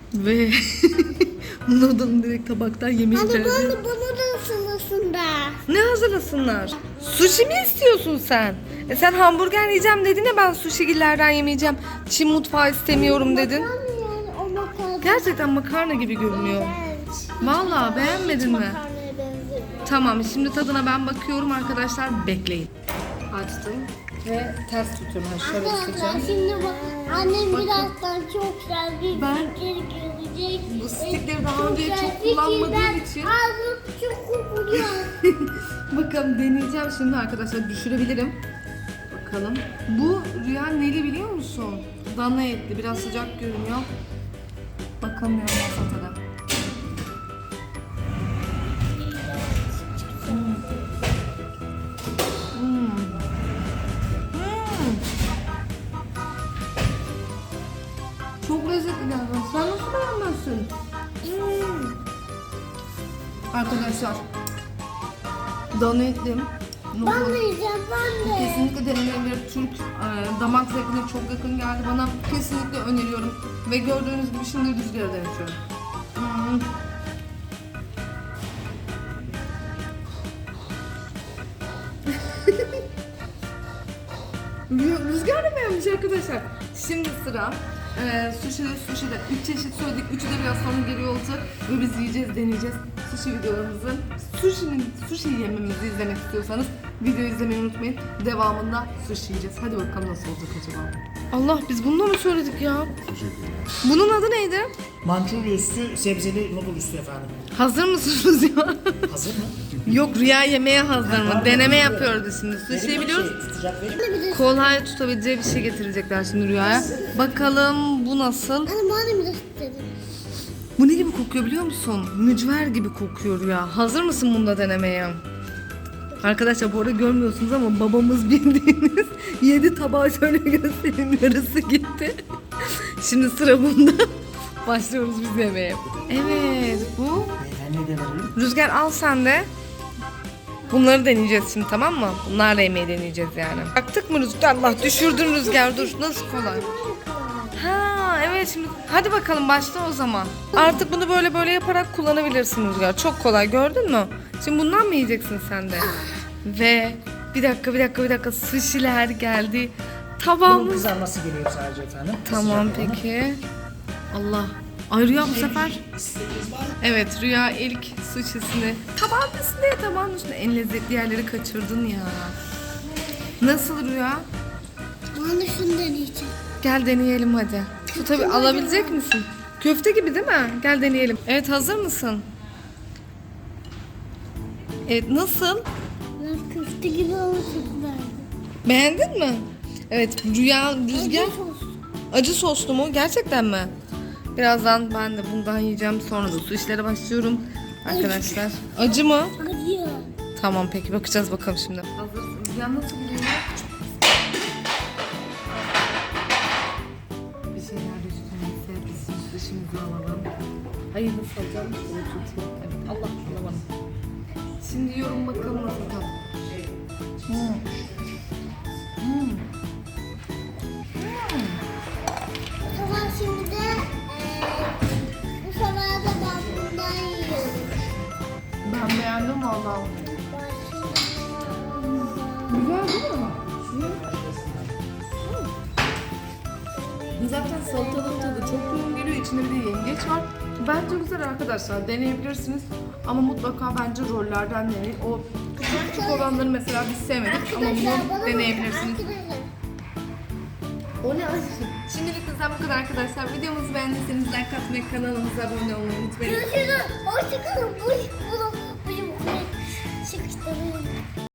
Ve noodle'ın direkt tabaktan yemeği Anne geldi. bana da ısınasın da. Ne hazırlasınlar? Sushi mi istiyorsun sen? Sen hamburger yiyeceğim dedin ya, ben sushigillerden yemeyeceğim. Çin mutfağı istemiyorum dedin. Makarna yani o makarna. Gerçekten makarna gibi görünüyor. Vallahi beğenmedin mi? Makarnaya benziyor. Tamam, şimdi tadına ben bakıyorum arkadaşlar, bekleyin. Açtım ve ters tutuyorum. Şöyle Arkadaşlar tutacağım. şimdi bak annem birazdan çok güzel bir Ben fikir gelecek. bu stikleri daha Çok önce güzel çok kullanmadığım fikirden için ağzım çok kokuyor. bakalım deneyeceğim şimdi arkadaşlar, düşürebilirim. Bakalım. Bu Rüya neli biliyor musun? Dana etli, biraz sıcak görünüyor. Bakamıyorum nasıl tadı. Çok lezzetli geldi. Sen nasıl beğenmezsin? Arkadaşlar, dana etli. Ben de yiyeceğim ben de. Kesinlikle denenebilir. Türk damak zevkine çok yakın geldi bana. Kesinlikle öneriyorum. Ve gördüğünüz gibi şimdi rüzgarı denetiyorum. Rüzgar da beğenmiş arkadaşlar. Şimdi sıra sushi'de 3 çeşit söyledik. Üçü de biraz sonra geliyor olacak. Ve biz yiyeceğiz, deneyeceğiz. Sushi videolarımızın, sushi yememizi izlemek istiyorsanız videoyu izlemeyi unutmayın. Devamında sushi yiyeceğiz. Hadi bakalım nasıl olacak acaba. Allah, biz bunu mı söyledik ya? Bunun adı neydi? Mançurya üstü, sebzeli noodle üstü efendim. Hazır mısınız ya? Hazır mı? Yok, Rüya yemeğe hazır mı? Deneme yapıyoruz şimdi. Sushi'yi biliyoruz. Tutacak verir. Kolay tutabileceği bir şey getirecekler şimdi Rüya'ya. Bakalım bu nasıl? Anne bana bir de istedim. Bu ne gibi kokuyor biliyor musun? Mücver gibi kokuyor Rüya. Hazır mısın bunda denemeye? Arkadaşlar bu arada görmüyorsunuz ama babamız bildiğiniz 7 tabağı şöyle göstereyim, yarısı gitti. Şimdi sıra bunda. Başlıyoruz biz yemeğe. Evet, bu. Ben ne de verelim? Rüzgar al sen de. Bunları deneyeceğiz şimdi, tamam mı? Bunlarla yemeği deneyeceğiz yani. Baktık mı Rüzgar? Allah, düşürdün Rüzgar, dur. Nasıl kolay? Ha evet, şimdi hadi bakalım başla o zaman. Artık bunu böyle böyle yaparak kullanabilirsin Rüzgar. Çok kolay, gördün mü? Şimdi bundan mı yiyeceksin sen de? Ve bir dakika sushi'ler geldi. Bunun Tabağımız. kızarması geliyor sadece efendim. Tamam Sıcak olanı. peki. Allah. Ay Rüya bu sefer. Evet, Rüya ilk sushi'sini tabağın üstünde en lezzetli yerleri kaçırdın ya. Nasıl Rüya? Bana şunu deneyeceğim. Gel deneyelim hadi. Şu tabii, alabilecek misin? Köfte gibi değil mi? Gel deneyelim. Evet, hazır mısın? Evet, nasıl? Ben köfte gibi ama çok güzeldi. Beğendin mi? Evet, Rüzgar. Acı soslu mu? Gerçekten mi? Birazdan ben de bundan yiyeceğim. Sonra da su işlere başlıyorum. Arkadaşlar. Acı mı? Acıyor. Tamam peki, bakacağız bakalım şimdi. Hazırsın. Ya nasıl buluyor? Bir şeyler üstümüzde bizim dışımızı alalım. Hayır, nasıl alacağım? Şöyle tutayım. Evet, Allah alamadım. Şimdi yiyorum bakalım nasıl tat. Bu sefer şimdi de bu sefer de ben bundan yiyorum. Ben beğendim valla. Güzel değil mi? Zaten salatalık tadı çok yoğun geliyor. İçinde bir de yengeç var. Bence güzel arkadaşlar. Deneyebilirsiniz. Ama mutlaka bence rollerden deneyin. O küçük olanları mesela biz sevmedik. Ama bunu deneyebilirsiniz. O ne? Şimdilik bizden bu kadar arkadaşlar. Videomuzu beğendiyseniz like atmayı, kanalımıza abone olmayı unutmayın. Görüşürüz. Hoşçakalın. Bu çıkıştırın.